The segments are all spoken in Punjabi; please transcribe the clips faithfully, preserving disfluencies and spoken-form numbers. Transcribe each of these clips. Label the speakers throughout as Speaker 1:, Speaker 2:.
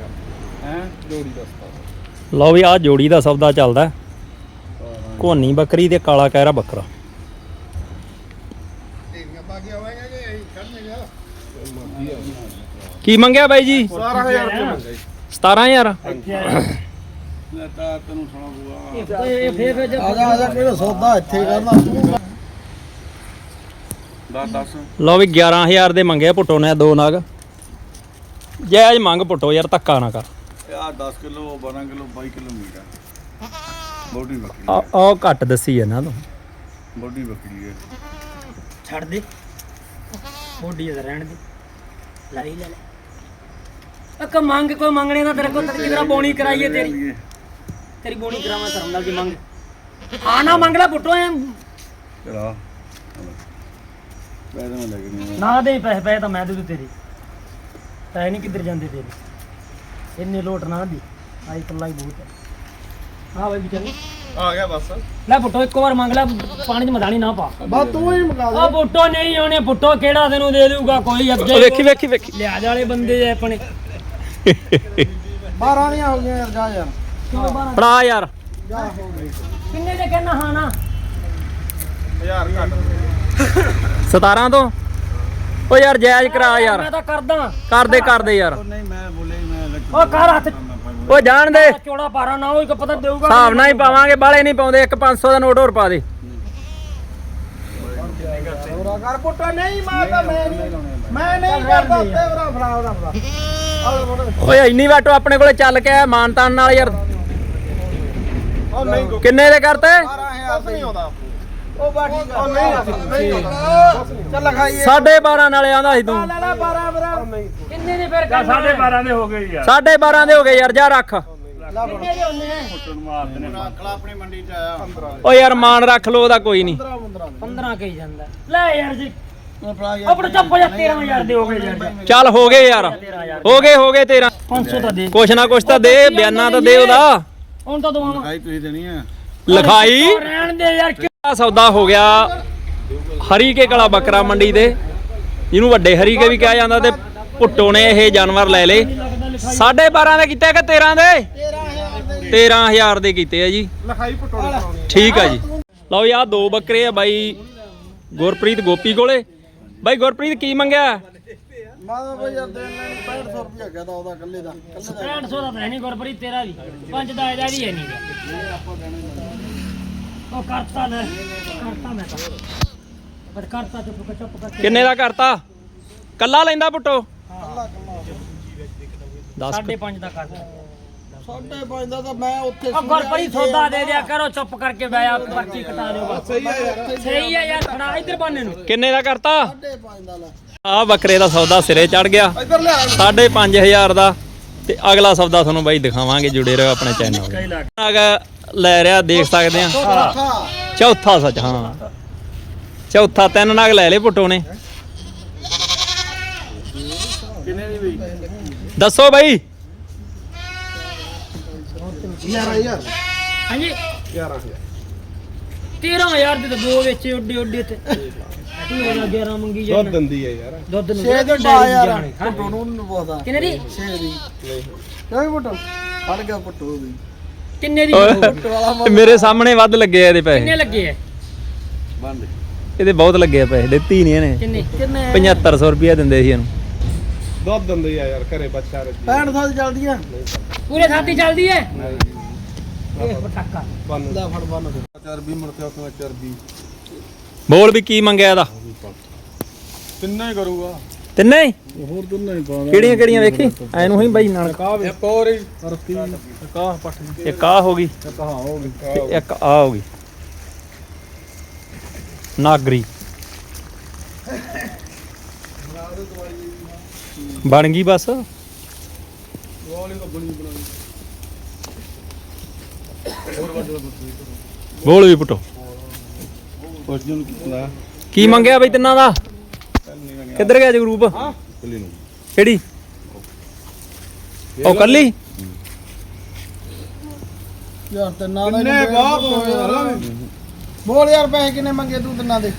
Speaker 1: ਹੈ ਜੋੜੀ ਦਾ ਸਤਾਰਾਂ।
Speaker 2: ਲਓ ਵੀ ਆ ਜੋੜੀ ਦਾ ਸੌਦਾ ਚੱਲਦਾ। ਕੋਨੀ ਬੱਕਰੀ ਤੇ ਕਾਲਾ ਕਹਿਰਾ ਬੱਕਰਾ। ਕੀ ਮੰਗਿਆ ਬਾਈ ਜੀ?
Speaker 1: ਸਤਾਰਾਂ ਹਜ਼ਾਰ ਰੁਪਏ ਮੰਗਿਆ ਜੀ।
Speaker 2: ਸਤਾਰਾਂ ਹਜ਼ਾਰ।
Speaker 1: ਲੈ ਤਾਂ ਤੈਨੂੰ ਸੁਣਾ
Speaker 3: ਆ ਜਾ ਆ ਜਾ ਕਿਹੜਾ ਸੌਦਾ ਇੱਥੇ ਕਰਨਾ ਤੂੰ।
Speaker 1: ਦਸ ਦਸ
Speaker 2: ਲਓ ਵੀ ਗਿਆਰਾਂ ਹਜ਼ਾਰ ਦੇ ਮੰਗਿਆ ਪੁੱਟੋ ਨੇ ਦੋ ਨਗ। ਜਾਇਜ਼ ਮੰਗ ਪੁੱਟੋ ਯਾਰ, ਧੱਕਾ ਨਾ ਕਰ।
Speaker 1: ਆ ਦਸ ਕਿਲੋ ਬਾਰਾਂ ਕਿਲੋ ਬਾਈ ਕਿਲੋ ਮੀਟ ਆ। ਬੋਡੀ ਬੱਕਰੀ
Speaker 2: ਆ
Speaker 1: ਹੈ।
Speaker 2: ਆ ਘੱਟ ਦੱਸੀ ਇਹਨਾਂ ਤੋਂ।
Speaker 1: ਬੋਡੀ ਬੱਕਰੀ ਹੈ।
Speaker 3: ਛੱਡ ਦੇ ਮੋਢੀ ਦਾ ਰਹਿਣ ਦੇ ਲਾਈ ਲੈ ਲੈ ਇੱਕ ਮੰਗ ਕੋਈ ਮੰਗਣੇ ਦਾ ਤੇਰੇ ਕੋਲ ਤੇਰੀ ਬੋਣੀ ਕਰਾਈਏ ਤੇਰੀ ਤੇਰੀ ਬੋਣੀ ਕਰਾਵਾਂ ਧਰਮ ਨਾਲ ਦੀ ਮੰਗ ਆ ਨਾ ਮੰਗ ਲੈ ਪੁੱਟੋ ਐ
Speaker 1: ਚਲਾ ਪੈਸੇ ਮੈਂ ਲੈ ਕੇ ਨਹੀਂ
Speaker 3: ਨਾ ਦੇ ਪੈਸੇ ਪੈਸੇ ਤਾਂ ਮੈਂ ਦੇ ਦੂ ਤੇਰੇ ਪੈਸੇ ਨਹੀਂ ਕਿੱਧਰ ਜਾਂਦੇ ਤੇਰੇ ਇੰਨੇ ਲੋਟ ਨਾ ਦੀ ਆਈ ਕੱਲਾ ਹੀ ਬਹੁਤ ਹੈ। ਹਾਂ ਬਾਈ ਵਿਚਾਰੀ
Speaker 1: ਆ ਗਿਆ ਬਸ।
Speaker 3: ਲੈ ਪੁੱਟੋ ਇੱਕ ਵਾਰ ਮੰਗ ਲੈ ਪਾਣੀ 'ਚ ਮਦਾਨੀ ਨਾ ਪਾ
Speaker 1: ਬਸ ਤੂੰ ਹੀ ਮੰਗਾ
Speaker 3: ਆ ਪੁੱਟੋ ਨਹੀਂ ਆਉਣੇ ਪੁੱਟੋ ਕਿਹੜਾ ਤੈਨੂੰ ਦੇ ਦੂਗਾ ਕੋਈ ਅੱਗੇ
Speaker 2: ਵੇਖੀ ਵੇਖੀ ਵੇਖੀ
Speaker 3: ਲਿਆਜ ਵਾਲੇ ਬੰਦੇ ਜੇ ਆਪਣੇ
Speaker 1: ਬਾਰਾਂ ਦੀਆਂ ਹੋ ਗਈਆਂ ਯਾਰ ਜਾ ਯਾਰ।
Speaker 3: ਕਿਉਂ ਬਾਰਾਂ
Speaker 2: ਫੜਾ ਯਾਰ।
Speaker 1: ਜਾ ਹੋ ਗਈ
Speaker 3: ਕਿੰਨੇ ਦੇ ਕਹਿਣਾ ਹਾਂ ਨਾ
Speaker 1: ਹਜ਼ਾਰ ਘੱਟ।
Speaker 2: ਸਤਾਰਾਂ ਤੋਂ ਓ ਯਾਰ ਜਾਇਜ਼ ਕਰਾ ਯਾਰ।
Speaker 3: ਮੈਂ ਤਾਂ ਕਰਦਾ
Speaker 2: ਕਰਦੇ ਕਰਦੇ ਯਾਰ।
Speaker 1: ਨਹੀਂ ਮੈਂ ਬੋਲੇ ਮੈਂ
Speaker 3: ਓ ਕਰ ਹੱਥ
Speaker 2: ਓ ਜਾਣ ਦੇ
Speaker 3: ਚੋੜਾ ਪਾਰਾ ਨਾ ਹੋਈ ਕਿ ਪਤਾ ਦੇਊਗਾ
Speaker 2: ਹਿਸਾਬ ਨਾਲ ਹੀ ਪਾਵਾਂਗੇ, ਬਾਲੇ ਨਹੀਂ ਪਾਉਂਦੇ। ਇੱਕ ਪੰਜ ਸੌ ਦਾ ਨੋਟ ਹੋਰ ਪਾ ਦੇ।
Speaker 1: ਹੋਰਾ ਕਰ ਪੁੱਟੋ ਨਹੀਂ ਮਾਰਦਾ ਮੈਂ ਨਹੀਂ ਮੈਂ ਨਹੀਂ ਕਰਦਾ ਤੇਰਾ ਫੜਾ ਉਹਦਾ ਫੜਾ।
Speaker 2: ਓਏ ਇੰਨੀ ਵਾਟੋ ਆਪਣੇ ਕੋਲੇ ਚੱਲ ਕੇ ਆਇਆ ਮਾਨਤਾਨ ਨਾਲ ਯਾਰ।
Speaker 1: ਉਹ ਨਹੀਂ
Speaker 2: ਕਿੰਨੇ ਦੇ ਕਰਤੇ?
Speaker 1: ਬਾਰਾਂ ਹਜ਼ਾਰ ਨਹੀਂ ਆਉਂਦਾ। ਉਹ ਬਾਕੀ ਉਹ ਨਹੀਂ ਨਹੀਂ ਆਉਂਦਾ। ਚੱਲ ਲਖਾਈਏ
Speaker 2: ਸਾਢੇ ਬਾਰਾਂ ਨਾਲੇ ਆਂਦਾ ਸੀ ਤੂੰ।
Speaker 1: ਲੈ ਲੈ ਬਾਰਾਂ ਬਾਰਾਂ ਨਹੀਂ
Speaker 3: ਕਿੰਨੇ ਦੇ ਫਿਰ ਸਾਢੇ ਬਾਰਾਂ ਦੇ ਹੋ ਗਏ ਯਾਰ
Speaker 2: ਸਾਢੇ ਬਾਰਾਂ ਦੇ ਹੋ ਗਏ ਯਾਰ, ਜਾ ਰੱਖ।
Speaker 3: ਕਿੰਨੇ ਦੇ ਹੁੰਦੇ ਆ
Speaker 1: ਪੁੱਟਣ ਮਾਰਦੇ ਨੇ ਰੱਖਲਾ ਆਪਣੀ ਮੰਡੀ ਚ ਆਇਆ ਪੰਦਰਾਂ
Speaker 2: ਓ ਯਾਰ ਮਾਨ ਰੱਖ ਲੋ, ਉਹਦਾ ਕੋਈ ਨਹੀਂ।
Speaker 3: ਪੰਦਰਾਂ ਕਹੀ ਜਾਂਦਾ ਲੈ ਯਾਰ ਜੀ ਆਪਣੇ ਚੱਪ ਜਾ ਤੇਰਾਂ ਹਜ਼ਾਰ ਦੇ ਹੋ ਗਏ ਯਾਰ
Speaker 2: ਚੱਲ ਹੋ ਗਏ ਯਾਰ, ਹੋ ਗਏ ਹੋ ਗਏ ਤੇਰਾਂ।
Speaker 3: ਪੰਜ ਸੌ ਤਾਂ ਦੇ
Speaker 2: ਕੁਛ ਨਾ ਕੁਛ ਤਾਂ ਦੇ, ਬਿਆਨਾ ਤਾਂ ਦੇ ਉਹਦਾ।
Speaker 3: ਹੁਣ ਤਾਂ ਦਵਾਵਾਂ
Speaker 1: ਲਖਾਈ ਤੁਸੀਂ ਦੇਣੀ ਆ।
Speaker 2: ਲਿਖਾਈ
Speaker 3: ਉਹ ਰਹਿਣ ਦੇ ਯਾਰ
Speaker 2: ਆ ਸੌਦਾ ਹੋ ਗਿਆ ਹਰੀਕੇ ਕਲਾ ਬੱਕਰਾ ਮੰਡੀ ਦੇ, ਜਿਹਨੂੰ ਵੱਡੇ ਹਰੀਕੇ ਵੀ ਕਿਹਾ ਜਾਂਦਾ। ਤੇ ਭੁੱਟੋ ਨੇ ਇਹ ਜਾਨਵਰ ਲੈ ਲਏ। ਸਾਢੇ ਬਾਰਾਂ ਦੇ ਕੀਤੇ ਕਿ ਤੇਰਾਂ ਦੇ? ਤੇਰਾਂ ਹਜ਼ਾਰ ਦੇ ਕੀਤੇ ਆ ਜੀ।
Speaker 1: ਲਖਾਈ ਪਟੋਲੇ ਕਰਾਉਣੀ।
Speaker 2: ਠੀਕ ਆ ਜੀ। ਲਓ ਯਾਰ ਦੋ ਬੱਕਰੇ ਆ ਬਾਈ ਗੁਰਪ੍ਰੀਤ ਗੋਪੀ ਕੋਲੇ। ਬਾਈ ਗੁਰਪ੍ਰੀਤ ਕੀ ਮੰਗਿਆ?
Speaker 1: ਮਾਦਾ ਬਈ ਯਾਰ ਦੇਣ ਲੈਣ ਪੈਂਹਠ ਸੌ ਰੁਪਇਆ ਕਹਦਾ ਉਹਦਾ ਇਕੱਲੇ ਦਾ ਇਕੱਲੇ ਦਾ
Speaker 3: ਪੈਂਹਠ ਸੌ ਦਾ ਤਾਂ ਨਹੀਂ ਗੁਰਪ੍ਰੀਤ ਤੇਰਾ ਵੀ ਪੰਜ ਦਾ ਇਹਦਾ ਵੀ ਹੈ ਨਹੀਂ ਉਹ ਕਰਤਾ ਲੈ ਕਰਤਾ ਮੈਂ ਤਾਂ ਪਰ ਕਰਤਾ ਚੁੱਪ ਕਰ ਚੁੱਪ ਕਰ
Speaker 2: ਕਿੰਨੇ ਦਾ ਕਰਤਾ? ਕੱਲਾ ਲੈਂਦਾ ਪੁੱਟੋ? ਦਸ
Speaker 3: ਸਾਢੇ ਪੰਜ ਦਾ ਕਰਤਾ
Speaker 1: ਸਾਢੇ ਪੰਜ ਦਾ ਤਾਂ ਮੈਂ ਉੱਥੇ
Speaker 3: ਉਹ ਗੁਰਪ੍ਰੀਤ ਸੌਦਾ ਦੇ ਦਿਆ ਕਰੋ ਚੁੱਪ ਕਰਕੇ ਬੈਆ ਪਰਚੀ ਕਟਾ ਦਿਓ ਬਸ
Speaker 1: ਸਹੀ ਹੈ ਯਾਰ।
Speaker 3: ਸਹੀ ਹੈ ਯਾਰ ਖੜਾ ਇੱਧਰ ਬਾਨੇ ਨੂੰ
Speaker 2: ਕਿੰਨੇ ਦਾ ਕਰਤਾ?
Speaker 1: ਸਾਢੇ ਪੰਜ ਦਾ ਲੈ
Speaker 2: ਆ ਬੱਕਰੇ ਦਾ ਸੌਦਾ ਸਿਰੇ ਚੜ ਗਿਆ
Speaker 1: ਇੱਧਰ ਲਿਆ
Speaker 2: ਸਾਢੇ ਪੰਜ ਹਜ਼ਾਰ ਦਾ। ਤੇ ਅਗਲਾ ਸੌਦਾ ਤੁਹਾਨੂੰ ਬਾਈ ਦਿਖਾਵਾਂਗੇ, ਜੁੜੇ ਰਹੋ ਆਪਣੇ ਚੈਨਲ ਨਾਲ। ਲੈ ਰਿਹਾ ਦੇਖ ਸਕਦੇ ਆ। ਚੌਥਾ ਸੱਚ, ਹਾਂ ਚੌਥਾ। ਤਿੰਨ ਨਗ ਲੈ ਲਏ ਪੁੱਟੋ ਨੇ।
Speaker 1: ਕਿੰਨੇ ਦੀ ਬਈ?
Speaker 2: ਦੱਸੋ ਬਾਈ।
Speaker 1: ਗਿਆਰਾਂ ਹਜ਼ਾਰ
Speaker 3: ਹਾਂਜੀ
Speaker 1: ਗਿਆਰਾਂ ਹਜ਼ਾਰ
Speaker 3: ਤੇਰਾਂ ਹਜ਼ਾਰ ਦੇ ਤਾਂ ਦੋ ਵੇਚੇ ਉੱਡੇ ਉੱਡੇ ਤੇ ਤੂੰ ਇਹਨਾਂ ਗਿਆਰਾਂ ਮੰਗੀ
Speaker 1: ਦੁੱਧ
Speaker 3: ਜਾਂਦਾ
Speaker 1: ਦਿੰਦੀ ਹੈ ਯਾਰ।
Speaker 3: ਦੁੱਧ ਨੂੰ
Speaker 1: ਛੇ ਦੀ ਪਾ ਯਾਰ ਪਟੋ ਨੂੰ ਨੂੰ ਪਤਾ
Speaker 3: ਕਿੰਨੇ ਦੀ
Speaker 1: ਛੇ ਦੀ ਨਹੀਂ ਪਟੋ ਫੜ ਗਿਆ ਪਟੋ ਦੀ
Speaker 3: ਕਿੰਨੇ ਦੀ
Speaker 2: ਓਏ, ਮੇਰੇ ਸਾਹਮਣੇ ਵੱਧ ਲੱਗੇ ਆ ਇਹਦੇ
Speaker 3: ਕਿੰਨੇ
Speaker 2: ਪੈਸੇ।
Speaker 3: ਲੱਗੇ ਐ
Speaker 1: ਬੰਦ
Speaker 2: ਇਹਦੇ ਬਹੁਤ ਲੱਗੇ ਆ ਪੈਸੇ, ਦਿੱਤੀ ਨਹੀਂ ਇਹਨੇ।
Speaker 3: ਕਿੰਨੇ ਕਿੰਨੇ
Speaker 2: ਪਝੱਤਰ ਸੌ ਰੁਪਇਆ ਦਿੰਦੇ ਸੀ ਇਹਨੂੰ।
Speaker 1: ਦੁੱਧ ਦਿੰਦੀ ਆ ਯਾਰ ਘਰੇ ਬੱਚਾ ਰੱਖੀ ਪੈਂਹਠ ਸੌ ਦੀ ਚੱਲਦੀਆਂ
Speaker 3: ਪੂਰੇ ਸਾਥੀ ਚੱਲਦੀ ਐ ਇਹ ਪਟਾਕਾ
Speaker 1: ਬੰਨ ਲੈ ਫੜ ਬੰਨ ਦੇ ਚਰਬੀ ਮੁੜ ਕੇ ਉੱਥੇ ਚਰਬੀ
Speaker 2: ਬੋਲ ਵੀ ਕੀ ਮੰਗਿਆ ਇਹਦਾ?
Speaker 1: ਤਿੰਨੇ ਹੀ ਕਰੂਗਾ।
Speaker 2: ਤਿੰਨੇ ਹੀ?
Speaker 1: ਹੋਰ ਤਿੰਨੇ ਹੀ ਪਾਉਂਦਾ।
Speaker 2: ਕਿਹੜੀਆਂ ਕਿਹੜੀਆਂ ਵੇਖੀ ਐਨੂੰ ਹੀ ਬਾਈ ਨਾਲ।
Speaker 1: ਇੱਕ ਹੋਰ ਹੀ ਰਤੀ ਕਾਹ ਪੱਠ
Speaker 2: ਇੱਕ ਆ ਹੋ ਗਈ
Speaker 1: ਇੱਕ ਹਾਂ ਹੋ ਗਈ
Speaker 2: ਤੇ ਇੱਕ ਆ ਹੋ ਗਈ ਨਾਗਰੀ। ਬਣ ਗਈ ਬਸ।
Speaker 1: ਵਾਲੀ ਤਾਂ ਬਣੀ ਬਣਾਈ ਹੋਰ ਵੱਡਾ
Speaker 2: ਬੋਲ ਵੀ ਪੁੱਟੋ।
Speaker 1: ਕੁਛ ਨੂੰ ਕਿੰਨਾ
Speaker 2: ਕੀ ਮੰਗਿਆ ਬਈ ਤਿੰਨਾਂ ਦਾ? ਕਿੱਧਰ ਗਿਆ ਜਗਰੂਪ?
Speaker 1: ਕੱਲੀ ਨੂੰ
Speaker 2: ਕਿਹੜੀ? ਉਹ ਕੱਲੀ?
Speaker 1: ਯਾਰ ਤਿੰਨਾਂ ਦਾ ਕਿੰਨੇ ਬਾਪ ਬੋਲ ਯਾਰ ਪੈਸੇ ਕਿੰਨੇ ਮੰਗੇ ਤੂੰ ਤਿੰਨਾਂ ਦੇ?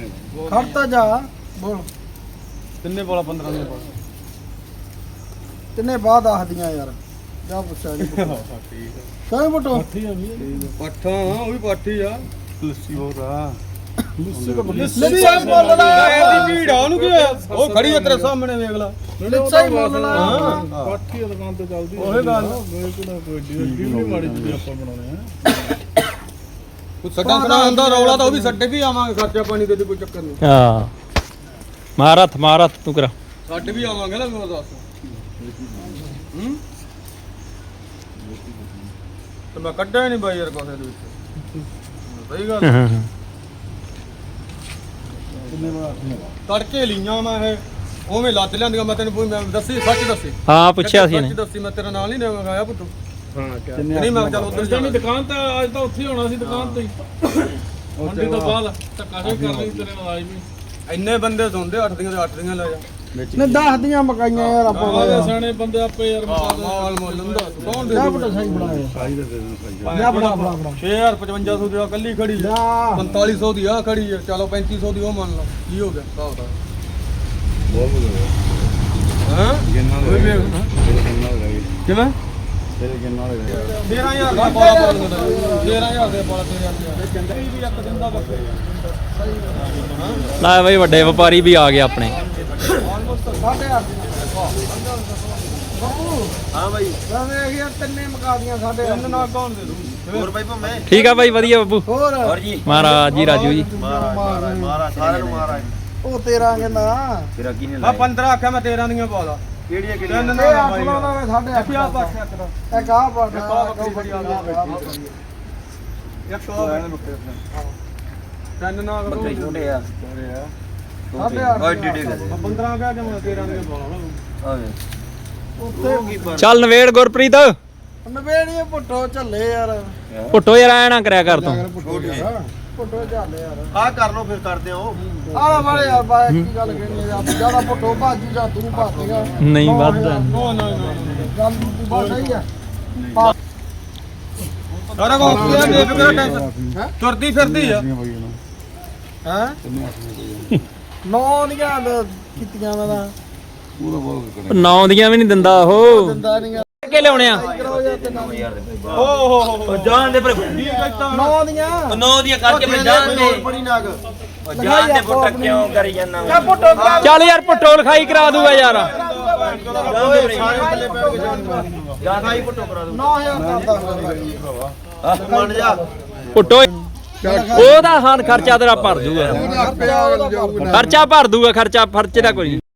Speaker 1: ਖੜਤਾ ਜਾ ਬੋਲ ਤਿੰਨੇ ਬੋਲਾ ਪੰਦਰਾਂ ਦੇ ਤਿੰਨੇ ਬਾਅਦ ਆਖਦੀਆਂ ਯਾਰ ਜਾ ਪੁੱਛਿਆ ਜੀ ਕਾਹ ਬਟੋ
Speaker 4: ਪੱਠਾ ਉਹ ਵੀ ਪਾਠੀ ਆ ਲੱਸੀ ਹੋਰ ਆ
Speaker 1: ਲੱਸੀ ਆ ਬੋਲਣਾ
Speaker 4: ਇਹਦੀ ਭੀੜ ਆ ਉਹਨੂੰ ਕੀ ਹੋਇਆ? ਉਹ ਖੜੀ ਆ ਤੇਰੇ ਸਾਹਮਣੇ ਵੇਖ ਲੈ
Speaker 1: ਲੱਸੀ ਬੋਲਣਾ
Speaker 4: ਪਾਠੀ ਦੀ ਦੁਕਾਨ ਤੇ ਚੱਲਦੀ ਉਹੇ ਗੱਲ ਕੋਈ ਡੀ ਵੀ ਮਾੜੀ ਜਿਹੀ ਆਪਾਂ ਬਣਾਉਣੇ ਆ ਉਹ ਸੱਟਾਂ ਸੱਟਾਂ ਹੁੰਦਾ ਰੌਲਾ ਤਾਂ ਉਹ ਵੀ ਸੱਟੇ ਵੀ ਆਵਾਂਗੇ ਖਰਚਾ ਪਾਣੀ ਦੇ ਕੋਈ ਚੱਕਰ ਨਹੀਂ
Speaker 2: ਹਾਂ ਮਾਰਤ ਮਾਰਤ ਤੂੰ ਕਰਾ
Speaker 4: ਸਾਡੇ ਵੀ ਆਵਾਂਗੇ ਨਾ ਮੈਂ ਦੱਸ ਹੂੰ ਤੇ ਮੈਂ ਕੱਢਿਆ ਨਹੀਂ ਬਾਈ ਯਾਰ ਕੋਸੇ ਦੇ ਵਿੱਚ ਸਹੀ ਗੱਲ ਤੜਕੇ ਲੀਆਂ ਮੈਂ ਇਹ ਉਵੇਂ ਲੱਦ ਲਿਆਂਦੀਆਂ ਮੈਂ ਤੈਨੂੰ ਮੈਂ ਦੱਸੀ ਸੱਚ ਦੱਸੀ
Speaker 2: ਹਾਂ ਪੁੱਛਿਆ ਸੀ
Speaker 4: ਸੱਚ
Speaker 2: ਇਹਨੇ
Speaker 4: ਦੱਸੀ ਮੈਂ ਤੇਰਾ ਨਾਲ ਨਹੀਂ ਲੈਵਾਂ ਖਾਇਆ ਪੁੱਤ
Speaker 5: ਹਾਂ
Speaker 4: ਨਹੀਂ ਮੈਂ ਚੱਲ ਉਧਰ ਜਾਣੀ
Speaker 5: ਦੁਕਾਨ ਤਾਂ ਅੱਜ ਤਾਂ ਉੱਥੇ ਹੋਣਾ ਸੀ ਦੁਕਾਨ ਤੇ ਮੰਡੀ ਤੋਂ ਬਾਅਦ ਧੱਕਾ ਜਿਹਾ ਕਰ ਲਈ ਤੇਰੇ ਨਾਲ ਆਈ ਵੀ
Speaker 4: ਇੰਨੇ ਬੰਦੇ ਸੁਣਦੇ ਅੱਠ ਦੀਆਂ ਤੇ ਅੱਠ ਦੀਆਂ ਲੈ ਜਾ
Speaker 1: ਨੇ ਦਸ ਦੀਆਂ ਮਕਾਈਆਂ ਯਾਰ ਆਪਾਂ
Speaker 5: ਆਹ ਸਿਆਣੇ ਬੰਦੇ ਆਪੇ ਯਾਰ
Speaker 4: ਹਾਂ, ਮਾਲ ਮੁੱਲ ਲੰਦਾ ਕੌਣ ਦੇ
Speaker 1: ਜਾ ਬਟੋ ਸਹੀ ਬਣਾਇਆ
Speaker 5: ਸਾਈ ਦੇ ਦੇ ਸਾਈ
Speaker 1: ਜਾ ਬਣਾ ਬਣਾ ਬਣਾ
Speaker 4: ਛੇ ਹਜ਼ਾਰ ਪਚਵੰਜਾ ਸੌ ਦੀ ਆ ਕੱਲੀ ਖੜੀ ਆ
Speaker 1: ਜਾ
Speaker 4: ਪੰਤਾਲੀ ਸੌ ਦੀ ਆ ਖੜੀ ਆ ਚਲੋ ਪੈਂਤੀ ਸੌ ਦੀ ਉਹ ਮੰਨ ਲਓ ਕੀ ਹੋ ਗਿਆ ਹਿਸਾਬ ਦਾ
Speaker 5: ਬਹੁਤ ਵਧੀਆ
Speaker 4: ਹਾਂ
Speaker 5: ਕਿੰਨਾ
Speaker 4: ਕੋਈ ਵੀ
Speaker 5: ਤੇਰੇ ਕਿੰਨਾ ਹੋ ਗਿਆ
Speaker 4: ਕਿਵੇਂ
Speaker 5: ਤੇਰੇ ਕਿੰਨਾ ਹੋ ਗਿਆ
Speaker 4: ਤੇਰਾਂ ਹਜ਼ਾਰ ਦਾ ਪਾਲਾ ਪਾਲਾ ਤੇਰਾਂ ਹਜ਼ਾਰ ਦੇ ਪਾਲਾ ਤੇਰਾਂ ਹਜ਼ਾਰ ਚੰਗਾ ਵੀ ਇੱਕ ਦਿਨ ਦਾ ਬੱਕਰੇ
Speaker 2: ਲੈ ਬਈ ਵੱਡੇ ਵਪਾਰੀ ਵੀ ਆ ਗਏ ਆਪਣੇ
Speaker 1: ਸਾਡੇ ਅੱਠ ਹਾਂ ਬਾਈ ਵੇਖ ਯਾਰ ਤਿੰਨੇ ਮਕਾਦੀਆਂ ਸਾਡੇ
Speaker 4: ਤਿੰਨ ਨਾਲ ਕੌਣ ਦੇ ਦੂ
Speaker 1: ਹੋਰ ਬਾਈ ਭੰਮੇ
Speaker 2: ਠੀਕ ਆ ਬਾਈ ਵਧੀਆ ਬੱਬੂ
Speaker 1: ਹੋਰ ਹੋਰ
Speaker 3: ਜੀ
Speaker 2: ਮਹਾਰਾਜ ਜੀ ਰਾਜੂ ਜੀ
Speaker 1: ਮਹਾਰਾਜ ਸਾਰਿਆਂ ਨੂੰ ਮਹਾਰਾਜ ਉਹ ਤੇਰਾ ਕਹਿੰਦਾ
Speaker 3: ਤੇਰਾ ਕੀ
Speaker 4: ਆ ਪੰਦਰਾਂ ਆਖਿਆ ਮੈਂ ਤੇਰਾਂ ਦੀਆਂ ਪਾ ਲਾ
Speaker 1: ਕਿਹੜੀਆਂ
Speaker 4: ਤਿੰਨ
Speaker 1: ਇਹ
Speaker 4: ਨਾਲ
Speaker 1: ਅੱਠ
Speaker 4: ਬਾਈ
Speaker 1: ਲਾਉਣਾ ਵੇ ਸਾਡੇ ਅੱਠ
Speaker 4: ਆ ਪਾਸੇ ਇੱਕ ਦਾ
Speaker 1: ਇੱਕ ਆਹ ਪਾਠ
Speaker 4: ਇੱਕ ਆਹ ਬੱਕਰੀ ਬੜੀ ਆ ਗਈ। ਇੱਕ ਆ ਤਿੰਨ ਨਾਲ
Speaker 3: ਬੱਕਰੀ ਛੋਟੇ ਆ
Speaker 1: ਸਾਡੇ ਅੱਠ
Speaker 3: ਓਏ ਡਿਡੇ ਕਰ
Speaker 4: ਪੰਦਰਾਂ ਕਹਿ ਕੇ ਮੈਂ ਤੇਰਾਂ ਦੀਆਂ ਪਾ ਲਾ
Speaker 3: ਆਵੇ
Speaker 1: ਉੱਤੇ
Speaker 2: ਚੱਲ ਨਵੇੜ ਗੁਰਪ੍ਰੀਤ
Speaker 1: ਨਵੇੜੀਏ ਪੁੱਟੋ ਝੱਲੇ ਯਾਰ
Speaker 2: ਪੁੱਟੋ ਯਾਰ ਐ ਨਾ ਕਰਿਆ ਕਰ ਤੂੰ
Speaker 1: ਪੁੱਟੋ ਝੱਲੇ ਯਾਰ
Speaker 6: ਆ ਕਰ ਲੋ ਫਿਰ ਕਰਦੇ ਹੋ
Speaker 1: ਆਹ ਵਾਲੇ ਯਾਰ ਬਾ ਕੀ ਗੱਲ ਕਹਿਣੀ ਆ ਜਿਆਦਾ ਪੁੱਟੋ ਭਾਜੀ ਜਾਂ ਤੂੰ ਭਾਜੇਗਾ
Speaker 2: ਨਹੀਂ ਵੱਧਦਾ
Speaker 4: ਨੋ ਨੋ ਨੋ
Speaker 1: ਗੱਲ ਤੂੰ ਬਾ ਸਹੀ ਆ ਪਾ-
Speaker 4: ਸਾਰਾ ਕੁਝ ਕੀ ਦੇ ਫਿਕਰ ਟੈਂਸ਼ਨ ਤੁਰਦੀ ਫਿਰਦੀ ਆ
Speaker 1: ਹੈਂ ਨੌ ਦੀਆਂ ਦ- ਕੀਤੀਆਂ ਦਾ ਤਾਂ
Speaker 2: ਨੌ ਦੀਆਂ ਵੀ ਨਹੀਂ ਦਿੰਦਾ ਉਹ
Speaker 1: ਦਿੰਦਾ ਨਹੀਂ ਆ
Speaker 2: ਕੇ ਲਿਆਉਣੇ ਆ
Speaker 1: ਕਰੋ ਯਾਰ ਤੇ ਨੌ
Speaker 4: ਓ ਹੋ ਹੋ
Speaker 3: ਜਾਨ ਦੇ ਪਰ
Speaker 4: ਕੀ ਕਹਿਤਾ
Speaker 1: ਨੌ ਦੀਆਂ
Speaker 3: ਨੌ ਦੀਆਂ ਕਰਕੇ ਮੈਂ ਜਾਨ ਦੇ
Speaker 6: ਬੜੀ ਨਾਗ
Speaker 3: ਉਹ ਜਾਨ ਦੇ ਪੁੱਟ ਕਿਉਂ ਕਰੀ ਜਾਂਦਾ
Speaker 1: ਕਿਆ ਪੁੱਟੋ ਕਿਆ
Speaker 2: ਚੱਲ ਯਾਰ ਪੁੱਟੋ ਲਿਖਾਈ ਕਰਾ ਦੂਗਾ ਯਾਰ
Speaker 6: ਸਾਰੇ ਪੱਲੇ ਪੈ ਕੇ ਜਾਣ ਜਾਨ ਹੀ ਪੁੱਟੋ ਕਰਾ ਦੂੰ
Speaker 1: ਨੌ ਹਜ਼ਾਰ ਕਰਦਾ
Speaker 6: ਮੰਨ ਜਾ
Speaker 2: ਪੁੱਟੋ ਉਹਦਾ ਹਾਂ ਖਰਚਾ ਤੇਰਾ ਭਰ ਦੂਗਾ ਖਰਚਾ ਭਰ ਦੂਗਾ ਖਰਚਾ ਖਰਚੇ ਦਾ ਕੋਈ ਨੀ।